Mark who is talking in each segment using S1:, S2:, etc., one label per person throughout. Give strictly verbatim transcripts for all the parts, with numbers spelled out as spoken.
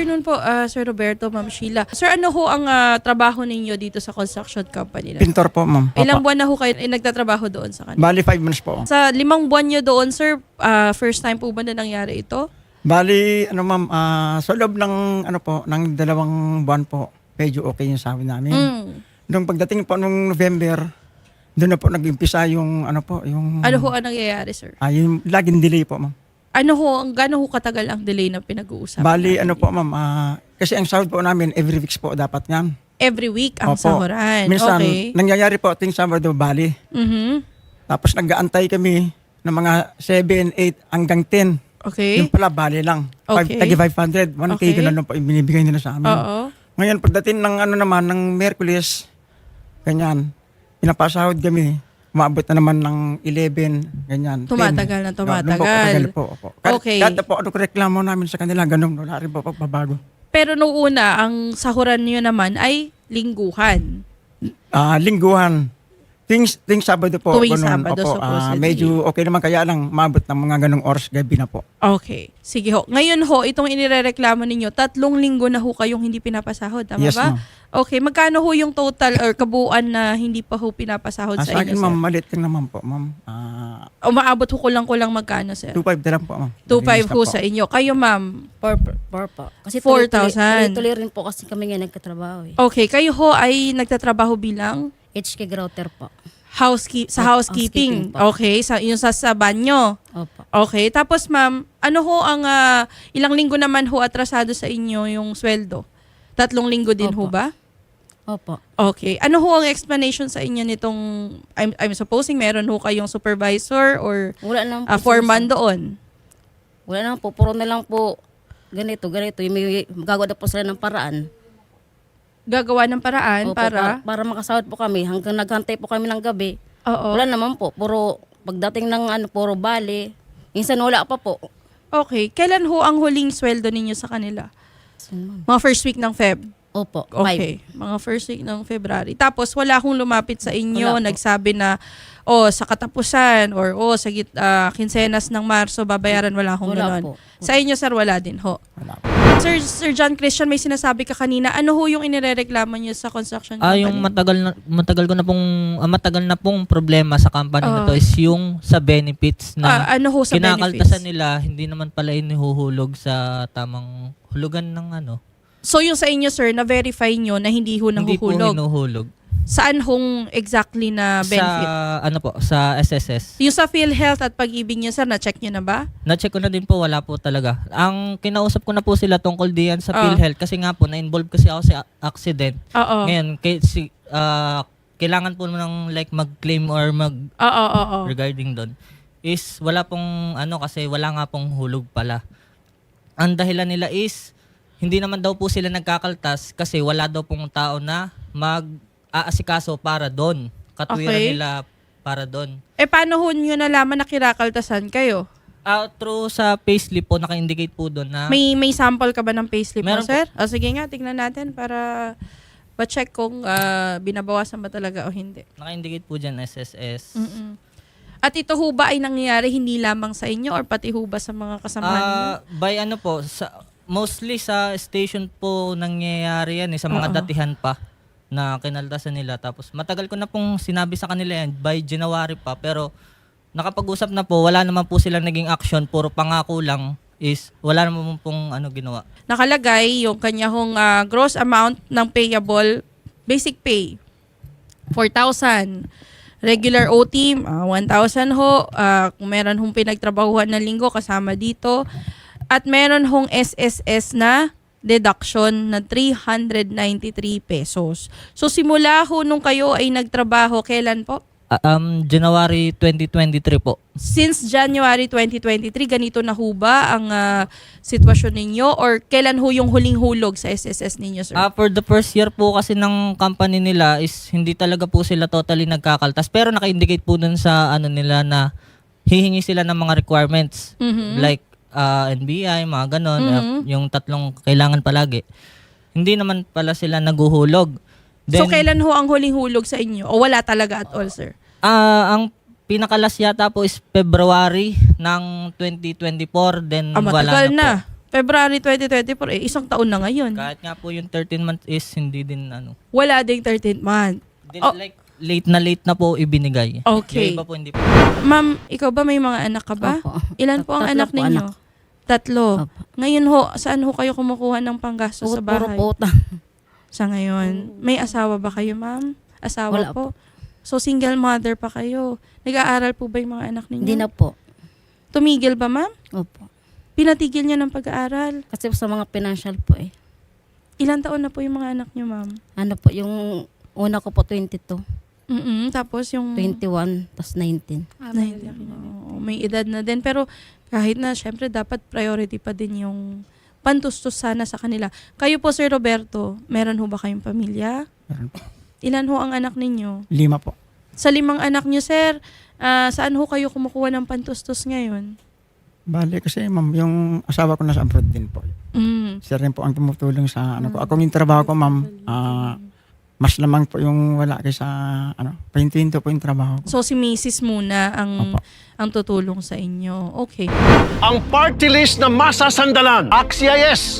S1: afternoon po, ah, Sir Roberto, Ma'am Sheila. Sir, ano ho ang ah, trabaho ninyo dito sa construction company na?
S2: Pintor po, ma'am.
S1: Ilang
S2: Opo.
S1: buwan na ho kayo eh, nagtatrabaho doon sa kanila?
S2: Bali, five months po.
S1: Sa limang buwan nyo doon, sir, ah, first time po ba na nangyari ito?
S2: Bali, ano ma'am, ah, sa loob ng, ano po, ng dalawang buwan po, medyo okay yung sabi namin.
S1: Mm.
S2: Nung pagdating po nung November, doon na po nag-umpisa yung, ano po, yung...
S1: Ano ho ang nangyayari, sir?
S2: Ah, yung laging delay po, ma'am.
S1: Ano ho, ang gano'n ho katagal ang delay na pinag-uusapan?
S2: Bali,
S1: natin
S2: ano po,
S1: dito?
S2: ma'am, ah, kasi ang sahod po namin, every weeks po dapat yan.
S1: Every week ang
S2: Opo.
S1: sahuran.
S2: Minsan,
S1: Okay.
S2: nangyayari po ating Sabado, bali.
S1: Mhm.
S2: Tapos nag-aantay kami ng mga seven, eight hanggang ten.
S1: Okay.
S2: Yung pala, bali lang.
S1: Okay.
S2: Tagi five hundred. one K
S1: Okay.
S2: ganun lang po yung binibigay nila sa amin.
S1: Oo.
S2: Ngayon, pagdating ng ano naman, ng Merkulis, ganyan, pinapasahod kami. Umabot na naman ng eleven, ganyan.
S1: Tumatagal na
S2: ten.
S1: tumatagal.
S2: No, doon po, katagal po. Opo. Kahit,
S1: Okay.
S2: kahit po ano reklamo namin sa kanila, ganun, wala rin po pagbabago.
S1: Pero nung una, ang sahuran nyo naman ay lingguhan.
S2: Ah, lingguhan. Things, things Sabado po.
S1: Tuwing
S2: ganun.
S1: Sabado,
S2: Opo, ah,
S1: supposedly.
S2: medyo okay naman, kaya lang, umabot ng mga ganung oras gabi na po.
S1: Okay. Sige ho. Ngayon ho, itong inirereklamo ninyo, tatlong linggo na ho kayong hindi pinapasahod. Tama
S2: Yes,
S1: ba?
S2: ma'am.
S1: Okay. Magkano ho yung total or kabuuan na hindi pa ho pinapasahod
S2: Ah,
S1: sa
S2: sa
S1: inyo,
S2: akin, ma'am,
S1: sir?
S2: malit lang naman po, ma'am. Ah,
S1: Umaabot ho kulang-kulang magkano, sir?
S2: two five na lang po, ma'am.
S1: two five
S2: Nalilista
S1: ho
S2: po.
S1: sa inyo. Kayo, ma'am.
S3: Four, four po. Kasi
S1: four
S3: tuloy-tuloy-
S1: thousand.
S3: Tuloy-tuloy rin po kasi kami nga nagkatrabaho eh.
S1: Okay. Kayo ho ay nagtatrabaho bilang
S3: H K Grouter po.
S1: housekeep sa
S3: House-
S1: housekeeping.
S3: housekeeping po.
S1: Okay. Sa, yung sa, sa banyo.
S3: Opo.
S1: Okay. Tapos, ma'am, ano ho ang ah, ilang linggo naman ho atrasado sa inyo yung sweldo? Tatlong linggo din ho
S3: Opo.
S1: ba?
S3: Opo.
S1: Okay. Ano ho ang explanation sa inyo nitong, I'm, I'm supposing meron ho kayong supervisor or
S3: Wala naman po.
S1: uh, foreman
S3: sinasabi-
S1: doon?
S3: Wala naman po. Puro na lang po ganito, ganito. Yung may gagawa na po sila ng paraan.
S1: Gagawa ng paraan
S3: Opo,
S1: para?
S3: para makasahod po kami. Hanggang naghantay po kami ng gabi.
S1: Oo.
S3: Wala naman po. Puro pagdating ng ano, puro bali. Minsan wala pa po.
S1: Okay. Kailan ho ang huling sweldo ninyo sa kanila? Mga first week ng Feb?
S3: Opo. Five.
S1: Okay. Mga first week ng February. Tapos wala akong lumapit sa inyo,
S3: Wala po.
S1: nagsabi na, oh, sa katapusan or oh, sa git, ah, kinsenas ng Marso, babayaran, wala akong
S3: Wala
S1: ganon.
S3: po.
S1: Sa inyo, sir, wala din ho.
S2: Wala po.
S1: Sir, Sir John Christian, may sinasabi ka kanina. Ano ho yung inirereklamo niyo sa construction
S4: Ah,
S1: company?
S4: yung matagal na matagal ko na pong ah, matagal na pong problema sa company na to
S1: Oo.
S4: is yung sa benefits na
S1: Ah, ano ho sa
S4: kinakaltasan
S1: benefits?
S4: nila, hindi naman pala inihuhulog sa tamang hulugan ng ano.
S1: So yung sa inyo, sir, na-verify nyo na hindi ho
S4: Hindi po
S1: nahuhulog?
S4: hinuhulog.
S1: Saan hong exactly na benefit?
S4: Sa ano po, sa S S S.
S1: Yung sa PhilHealth at pag-ibig niyo, sir, na-check nyo na ba?
S4: Na-check ko na din po, wala po talaga. Ang kinausap ko na po sila tungkol diyan sa
S1: Ah.
S4: PhilHealth kasi nga po na-involve kasi ako sa accident.
S1: Oo.
S4: Ngayon, kay, si, ah, kailangan po ng like mag-claim or mag
S1: Oo, oo, oo.
S4: regarding doon is wala pong ano kasi wala nga pong hulog pala. Ang dahilan nila is hindi naman daw po sila nagkakaltas kasi wala daw pong tao na mag-aasikaso para doon. Katwiran
S1: Okay.
S4: nila para doon.
S1: Eh, paano ho nyo nalaman na kirakaltasan kayo?
S4: Ah, through sa payslip po naka-indicate po doon na
S1: May may sample ka ba ng payslip mo,
S4: Meron po.
S1: sir? O sige nga, tingnan natin para ba-check kung ah, binabawasan ba talaga o hindi.
S4: naka-indicate po diyan S S S.
S1: Mm-mm. At ito ho ba ay nangyayari hindi lamang sa inyo or pati ho ba sa mga kasamahan niyo?
S4: Ah, by ano po sa mostly sa station po nangyayari yan eh, sa mga
S1: Oo.
S4: datihan pa na kinaltasan nila. Tapos matagal ko na pong sinabi sa kanila yan by January pa pero nakapag-usap na po, wala naman po silang naging action, puro pangako lang is wala naman pong ano ginawa.
S1: Nakalagay yung kanya hong ah, gross amount ng payable basic pay four thousand. Regular O T ah, one thousand ho. Ah, kung meron hong pinagtrabahuhan na linggo kasama dito. At meron hong S S S na deduction na three hundred ninety-three pesos. So simula ho nung kayo ay nagtrabaho, kailan po?
S4: Ah, um, January twenty twenty-three po.
S1: Since January twenty twenty-three, ganito na ho ba ang ah, sitwasyon ninyo? Or kailan ho yung huling hulog sa S S S ninyo, sir?
S4: Ah, for the first year po kasi ng company nila is hindi talaga po sila totally nagkakaltas. Pero naka-indicate po dun sa ano nila na hihingi sila ng mga requirements.
S1: Mhm.
S4: Like ah, N B I, mga ganon.
S1: Mhm.
S4: ah, yung tatlong kailangan palagi. Hindi naman pala sila naguhulog.
S1: So
S4: Then,
S1: kailan ho ang huling hulog sa inyo? O wala talaga at all, sir?
S4: ah, ang pinakalas yata po is February ng twenty twenty-four. Then
S1: Ah,
S4: wala
S1: matagal
S4: na,
S1: na.
S4: po.
S1: February twenty twenty-four, eh, isang taon na ngayon.
S4: Kahit nga po yung thirteen months is hindi din ano.
S1: Wala ding thirteenth month.
S4: Di-
S1: Oh.
S4: Like late na late na po ibinigay.
S1: Okay.
S4: Yung iba po hindi po.
S1: Ma'am, ikaw ba may mga anak ka ba?
S3: Opo.
S1: Ilan po ang
S3: Tatlo
S1: anak
S3: po
S1: ninyo?
S3: anak.
S1: Tatlo.
S3: Opo.
S1: Ngayon ho, saan ho kayo kumukuha ng panggastos sa
S3: Puro
S1: bahay?
S3: po utang.
S1: Sa ngayon. May asawa ba kayo, ma'am? Asawa
S3: Wala
S1: po. So, single mother pa kayo. Nag-aaral po ba yung mga anak ninyo?
S3: Hindi na po.
S1: Tumigil ba, ma'am?
S3: Opo.
S1: Pinatigil niya ng pag-aaral.
S3: Kasi sa mga financial po eh.
S1: Ilan taon na po yung mga anak niyo, ma'am?
S3: Ano po, yung una ko po twenty-two,
S1: Mm Tapos yung...
S3: twenty-one, tapos nineteen.
S1: Nine, oo, may edad na din. Pero kahit na, syempre, dapat priority pa din yung pantustos sana sa kanila. Kayo po, Sir Roberto, meron ho ba kayong pamilya?
S2: Meron po.
S1: Ilan ho ang anak ninyo?
S2: Lima po.
S1: Sa limang anak niyo, Sir, ah, saan ho kayo kumukuha ng pantustos ngayon?
S2: Bale kasi ma'am, yung asawa ko nasa abroad din po.
S1: Mm.
S2: Siya rin po ang tumutulong sa ano ko. Ako yung trabaho ko ma'am, ah, mas lamang po yung wala kaysa ano, pahinto-hinto po yung trabaho ko.
S1: So, si Missus muna ang,
S2: Opo.
S1: ang tutulong sa inyo. Okay.
S5: Ang party list na masasandalan. Axies!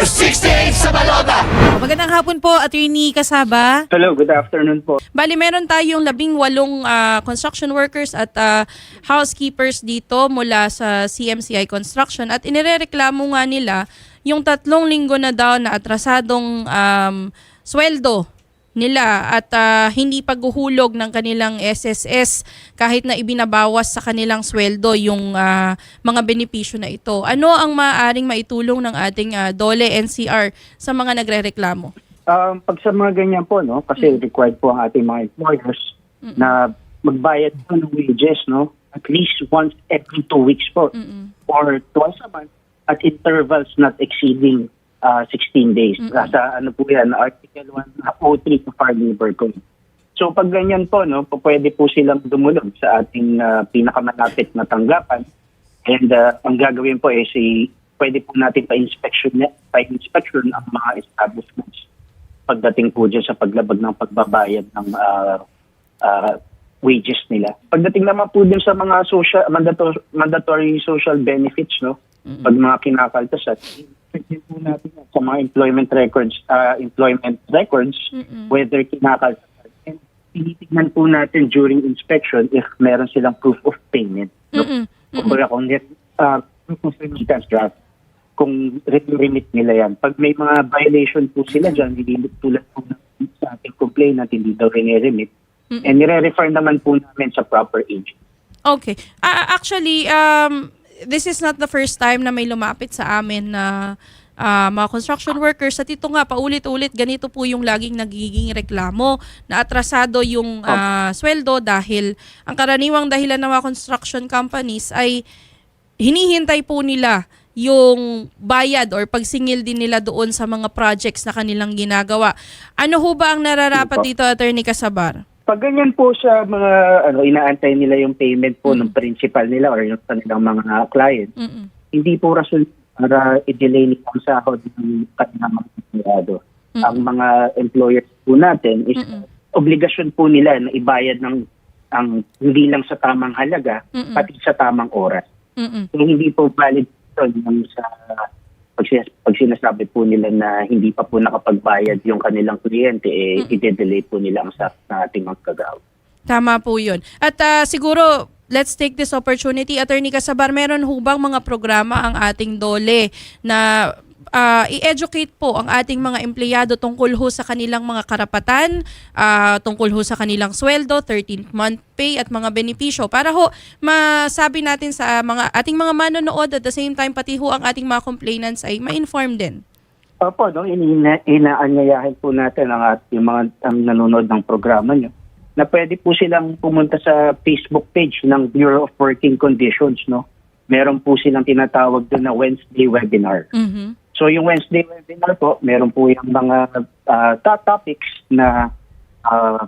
S6: Magandang hapon po, Attorney Kasaba.
S7: Hello, good afternoon po.
S1: Bali, meron tayong labing walong ah, construction workers at ah, housekeepers dito mula sa C M C I Construction at inirereklamo nga nila yung tatlong linggo na daw na atrasadong um, sweldo nila at ah, hindi paghuhulog ng kanilang S S S kahit na ibinabawas sa kanilang sweldo yung ah, mga benepisyo na ito. Ano ang maaaring maitulong ng ating ah, DOLE N C R sa mga nagrereklamo?
S7: Um, pag sa mga ganyan po, no, kasi required po ang ating mga employers na magbayad po ng wages, no, at least once every two weeks po
S1: Mm-mm.
S7: or twice a month at intervals not exceeding uh, sixteen days. Sa ano po yan, Article one oh three of our labor code. So pag ganyan po, no, po, pwede po silang dumulog sa ating uh, pinakamalapit na tanggapan. And uh, ang gagawin po is eh, pwede po natin pa-inspection, pa-inspection ang mga establishments pagdating po dyan sa paglabag ng pagbabayad ng uh, uh, wages nila. Pagdating naman po din sa mga social mandatory, mandatory social benefits, no, pag mga kinakaltasan, din po natin yan sa mga employment records, uh, employment records,
S1: Mm-mm.
S7: whether kinakaltasan. And tinitignan po natin during inspection if meron silang proof of payment. No?
S1: Mm-mm.
S7: Kung wala kung uh, proof of remittance draft, kung remit nila yan. Pag may mga violation po sila dyan, hindi tulad po ng- sa ating complainant, hindi daw rin-remit. And nire-refer naman po namin sa proper agent.
S1: Okay. Ah, actually, um, this is not the first time na may lumapit sa amin na ah, mga construction workers. At ito nga, paulit-ulit, ganito po yung laging nagiging reklamo na atrasado yung ah, sweldo dahil ang karaniwang dahilan ng mga construction companies ay hinihintay po nila yung bayad or pagsingil din nila doon sa mga projects na kanilang ginagawa. Ano ho ba ang nararapat
S7: Opo.
S1: dito, Attorney Casabar?
S7: Pag ganyan po sa mga ano inaantay nila yung payment po ng principal nila or yung kanilang mga client,
S1: Mm-mm.
S7: hindi po rason para i-delay nila ang sahod ng kanilang mga empleyado. Ang mga employers po natin is obligasyon po nila na ibayad ng ang hindi lang sa tamang halaga,
S1: Mm-mm.
S7: pati sa tamang oras.
S1: Mm-mm.
S7: So, hindi po valid ito yung sa pag, sinas- pag sinasabi po nila na hindi pa po nakapagbayad yung kanilang kliyente, eh, i-delay po nila ang sahod ng ating mga kagawa.
S1: Tama po yun. At ah, siguro, let's take this opportunity. Attorney Casabar, meron ho bang mga programa ang ating DOLE na ah, i-educate po ang ating mga empleyado tungkol ho sa kanilang mga karapatan, ah, tungkol ho sa kanilang sweldo, thirteenth month pay at mga benepisyo para ho masabi natin sa mga ating mga manonood at the same time pati ho ang ating mga complainants ay ma-inform din.
S7: Opo, no, ina- inaanyayahin po natin ang ating mga ang nanonood ng programa nyo na pwede po silang pumunta sa Facebook page ng Bureau of Working Conditions. No? Meron po silang tinatawag doon na Wednesday webinar.
S1: Mhm.
S7: So yung Wednesday webinar po, meron po yung mga uh, top topics na uh,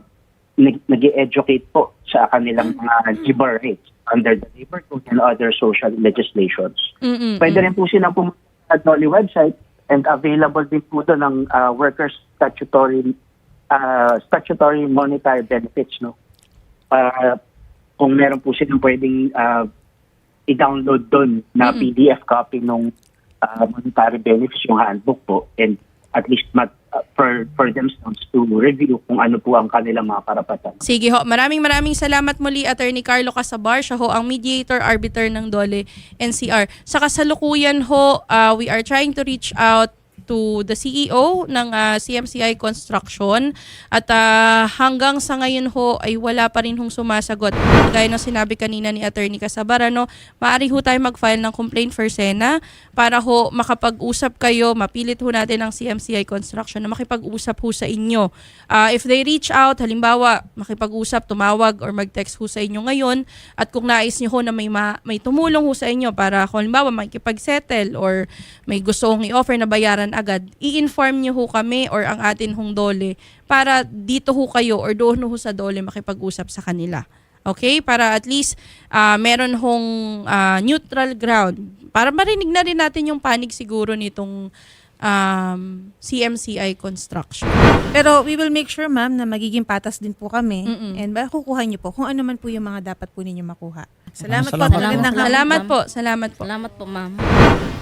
S7: nag-educate po sa kanilang mga labor rights under the labor code and other social legislations.
S1: Mm-mm.
S7: Pwede rin po silang pumunta sa DOLE website and available din po doon ng uh, workers statutory uh, statutory monetary benefits, no? Para kung meron po silang pwedeng uh, i-download doon na P D F copy nung uh, monetary benefits, yung handbook po, and at least mat, uh, for, for themselves to review kung ano po ang kanilang mga karapatan.
S1: Sige ho, maraming maraming salamat muli, Attorney Carlo Casabar. Siya ho ang mediator, arbiter ng Dole N C R. Sa kasalukuyan ho, uh, we are trying to reach out to the C E O ng uh, C M C I Construction at uh, hanggang sa ngayon ho ay wala pa rin hong sumasagot. Gaya ng sinabi kanina ni Attorney Casabar, ano, maaari ho tayo mag-file ng complaint for SENA para ho makapag-usap kayo, mapilit ho natin ang C M C I Construction na makipag-usap ho sa inyo. Uh, if they reach out, halimbawa makipag-usap, tumawag or mag-text ho sa inyo ngayon at kung nais nyo ho na may, ma- may tumulong ho sa inyo para kung halimbawa makipag-settle or may gusto hong i-offer na bayaran agad, i-inform niyo ho kami or ang atin hong Dole para dito ho kayo or doon ho sa Dole makipag-usap sa kanila. Okay? Para at least uh, meron hong uh, neutral ground. Para marinig na rin natin yung panig siguro nitong um, C M C I Construction.
S6: Pero we will make sure, ma'am, na magiging patas din po kami.
S1: Mm-mm.
S6: And ba, kukuha niyo po kung ano man po yung mga dapat po ninyo makuha. Salamat,
S2: Salamat.
S6: po. Magandang hapon.
S1: Salamat po. Salamat po.
S3: Salamat po, ma'am.